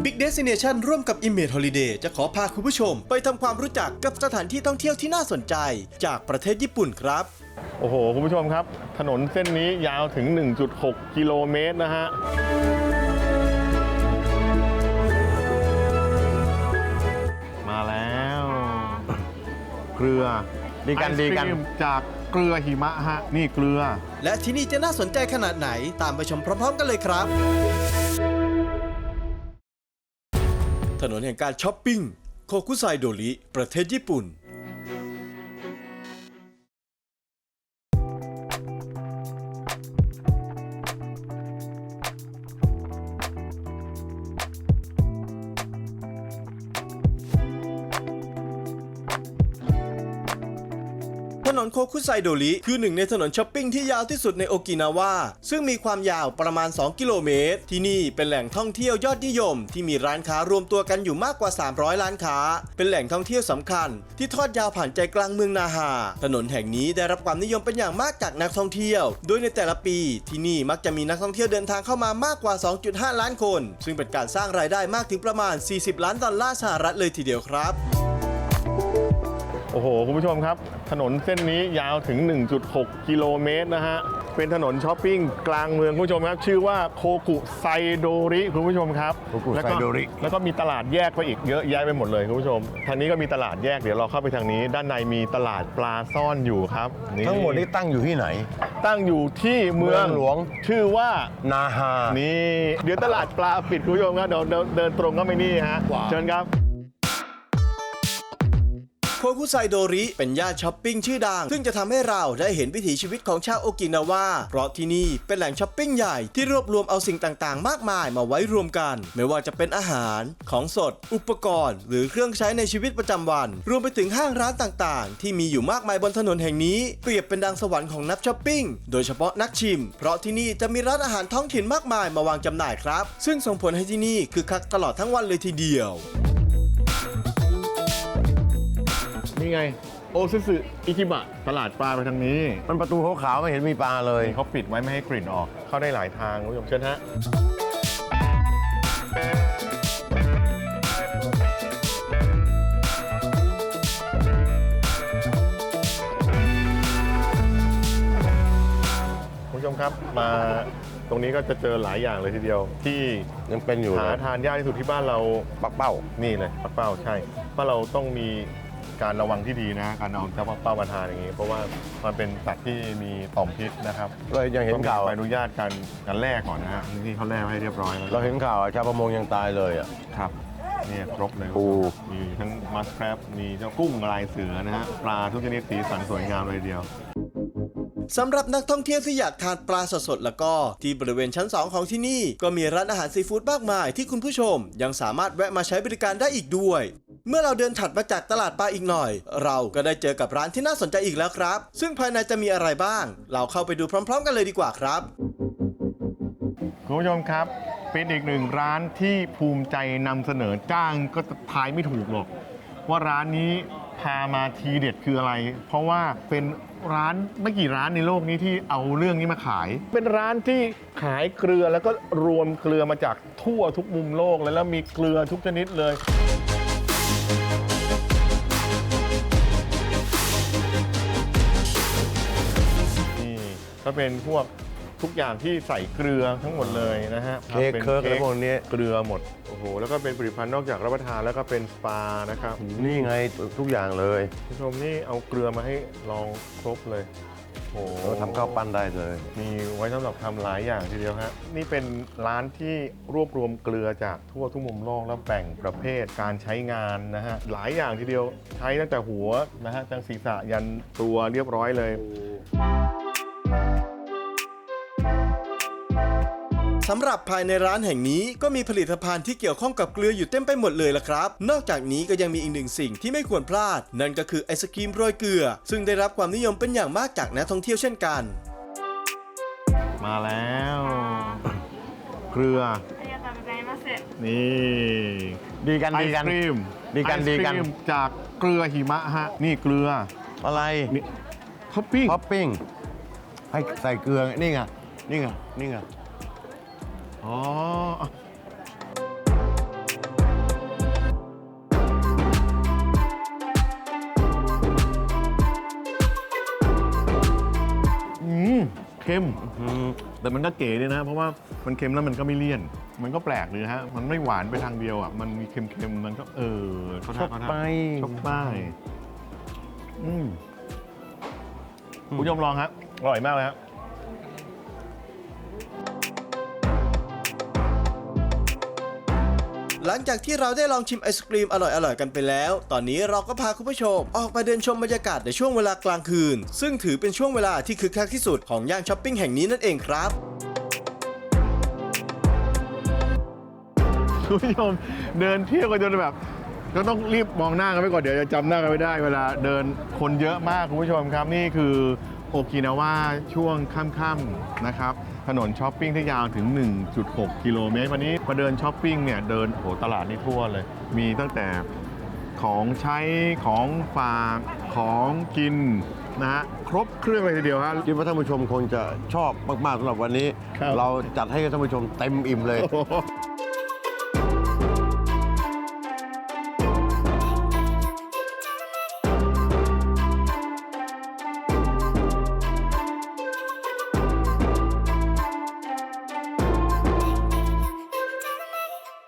Big Destination ร่วมกับ Image Holiday จะขอพาคุณผู้ชมไปทำความรู้จักกับสถานที่ท่องเที่ยวที่น่าสนใจจากประเทศญี่ปุ่นครับโอ้โหคุณผู้ชมครับถนนเส้นนี้ยาวถึง 1.6 กิโลเมตรนะฮะมาแล้วเกลือดีกันจากเกลือหิมะฮะนี่เกลือและที่นี่จะน่าสนใจขนาดไหนตามไปชมพร้อมๆกันเลยครับถนนแห่งการช้อปปิ้งโคคุไซโดริประเทศญี่ปุ่นถนนโคคุไซโดริคือหนึ่งในถนนช้อปปิ้งที่ยาวที่สุดในโอกินาวาซึ่งมีความยาวประมาณ2กิโลเมตรที่นี่เป็นแหล่งท่องเที่ยวยอดนิยมที่มีร้านค้ารวมตัวกันอยู่มากกว่า300ร้านค้าเป็นแหล่งท่องเที่ยวสำคัญที่ทอดยาวผ่านใจกลางเมืองนาฮาถนนแห่งนี้ได้รับความนิยมเป็นอย่างมากจากนักท่องเที่ยวโดยในแต่ละปีที่นี่มักจะมีนักท่องเที่ยวเดินทางเข้ามามากกว่า 2.5 ล้านคนซึ่งเป็นการสร้างรายได้มากถึงประมาณ$40 ล้านเลยทีเดียวครับโอ้โหคุณผู้ชมครับถนนเส้นนี้ยาวถึง 1.6 กิโลเมตรนะฮะเป็นถนนช้อปปิ้งกลางเมืองคุณผู้ชมครับชื่อว่าโคกุไซโดริคุณผู้ชมครับโคกุไซโดริแล้วก็มีตลาดแยกไปอีกเยอะแยะไปหมดเลยคุณผู้ชมทางนี้ก็มีตลาดแยกเดี๋ยวเราเข้าไปทางนี้ด้านในมีตลาดปลาซ่อนอยู่ครับทั้งหมดนี้ตั้งอยู่ที่ไหนตั้งอยู่ที่เมืองหลวงชื่อว่านาฮานี่เดี๋ยวตลาดปลาปิดคุณผู้ชมครับเดี๋ยวเดินตรงก็ไปนี่ฮะเชิญครับโคคุไซโดริเป็นย่านช้อปปิ้งชื่อดังซึ่งจะทำให้เราได้เห็นวิถีชีวิตของชาวโอกินาวาเพราะที่นี่เป็นแหล่งช้อปปิ้งใหญ่ที่รวบรวมเอาสิ่งต่างๆมากมายมาไว้รวมกันไม่ว่าจะเป็นอาหารของสดอุปกรณ์หรือเครื่องใช้ในชีวิตประจำวันรวมไปถึงห้างร้านต่างๆที่มีอยู่มากมายบนถนนแห่งนี้เปรียบเป็นดังสวรรค์ของนักช้อปปิ้งโดยเฉพาะนักชิมเพราะที่นี่จะมีร้านอาหารท้องถิ่นมากมายมาวางจำหน่ายครับซึ่งส่งผลให้ที่นี่คึกคักตลอดทั้งวันเลยทีเดียวนี่ไงโอซึสึอิคิบะตลาดปลาไปทางนี้มันประตูขาวๆไม่เห็นมีปลาเลยเขาปิดไว้ไม่ให้กลิ่นออกเข้าได้หลายทางคุณผู้ชมเชิญฮะคุณผู้ชมครับมาตรงนี้ก็จะเจอหลายอย่างเลยทีเดียวที่ยังเป็นอยู่หาทานยากที่สุดที่บ้านเราปักเป้านี่เลยปักเป้าใช่ว่าเราต้องมีการระวังที่ดีนะการเอาเจ้าปักเป้ามาทานอย่างนี้เพราะว่ามันเป็นสัตว์ที่มีต่อมพิษนะครับเรายังเห็นข่าวใบอนุญาตการแลกก่อนนะฮะนี่เขาแลกให้เรียบร้อยแล้วเราเห็นข่าวชาวประมงยังตายเลยอ่ะครับนี่ครบเลยมีทั้งมัสแครบมีเจ้ากุ้งลายเสือนะฮะปลาทุกชนิดสีสันสวยงามเลยเดียวสำหรับนักท่องเที่ยวที่อยากทานปลาสดๆแล้วก็ที่บริเวณชั้น2ของที่นี่ก็มีร้านอาหารซีฟู้ดมากมายที่คุณผู้ชมยังสามารถแวะมาใช้บริการได้อีกด้วยเมื่อเราเดินถัดมาจากตลาดปลาอีกหน่อยเราก็ได้เจอกับร้านที่น่าสนใจอีกแล้วครับซึ่งภายในจะมีอะไรบ้างเราเข้าไปดูพร้อมๆกันเลยดีกว่าครับคุณผู้ชมครับเป็นอีกหนึ่งร้านที่ภูมิใจนำเสนอจ้างก็ทายไม่ถูกหรอกว่าร้านนี้พามาทีเด็ดคืออะไรเพราะว่าเป็นร้านไม่กี่ร้านในโลกนี้ที่เอาเรื่องนี้มาขายเป็นร้านที่ขายเกลือแล้วก็รวมเกลือมาจากทั่วทุกมุมโลกแล้วมีเกลือทุกชนิดเลยนี่ก็เป็นพวกทุกอย่างที่ใส่เกลือทั้งหมดเลยนะฮะเค้กอะไรพวกนี้เกลือหมดโอ้โหแล้วก็เป็นผลิตภัณฑ์นอกจากรับประทานแล้วก็เป็นสปานะครับนี่ไงทุกอย่างเลยผู้ชมนี่เอาเกลือมาให้ลองครบเลยโอ้โหทำข้าวปั้นได้เลยมีไว้สำหรับทำหลายอย่างทีเดียวฮะนี่เป็นร้านที่รวบรวมเกลือจากทั่วทุกมุมโลกแล้วแบ่งประเภทการใช้งานนะฮะหลายอย่างทีเดียวใช้ตั้งแต่หัวนะฮะตั้งศีรษะยันตัวเรียบร้อยเลยสำหรับภายในร้านแห่งนี้ก็มีผลิตภัณฑ์ที่เกี่ยวข้องกับเกลืออยู่เต็มไปหมดเลยล่ะครับนอกจากนี้ก็ยังมีอีกหนึ่งสิ่งที่ไม่ควรพลาดนั่นก็คือไอศกรีมโรยเกลือซึ่งได้รับความนิยมเป็นอย่างมากจากนักท่องเที่ยวเช่นกันมาแล้วเกลือนี่ดีกันไอศกรีมจากเกลือหิมะฮะนี่เกลืออะไรท็อปปิ้งให้ใส่เกลือนี่ไงนี่ไงอ๋อค็มแต่มันก็เก๋ดีนะ เพราะว่ามันเค็มแล้วมันก็ไม่เลี่ยน มันก็แปลกเลยนะฮะ มันไม่หวานไปทางเดียวอ่ะ มันมีเค็มๆ มันก็เขาชอบไปชอบไปคุณผู้ชมลองฮะอร่อยมากเลยครับหลังจากที่เราได้ลองชิมไอศกรีมอร่อยๆกันไปแล้ว ตอนนี้เราก็พาคุณผู้ชมออกมาเดินชมบรรยากาศในช่วงเวลากลางคืน ซึ่งถือเป็นช่วงเวลาที่คึกคักที่สุดของย่านช้อปปิ้งแห่งนี้นั่นเองครับคุณผู้ชมเดินเที่ยวกันจนแบบก็ต้องรีบมองหน้ากันไว้ก่อนเดี๋ยวจะจำหน้ากันไม่ได้เวลาเดินคนเยอะมากคุณผู้ชมครับนี่คือโอกินาวาช่วงค่ำๆนะครับถนนช้อปปิ้งที่ยาวถึง 1.6 กิโลเมตรวันนี้มาเดินช้อปปิ้งเนี่ยเดินโอ้โหตลาดนี่ทั่วเลย มีตั้งแต่ของใช้ของฝากของกินนะฮะครบเครื่องเลยทีเดียวฮะคิดว่าท่านผู้ชมคงจะชอบมากๆสำหรับวันนี้ครับเราจัดให้ท่านผู้ชมเต็มอิ่มเลยโอ้โห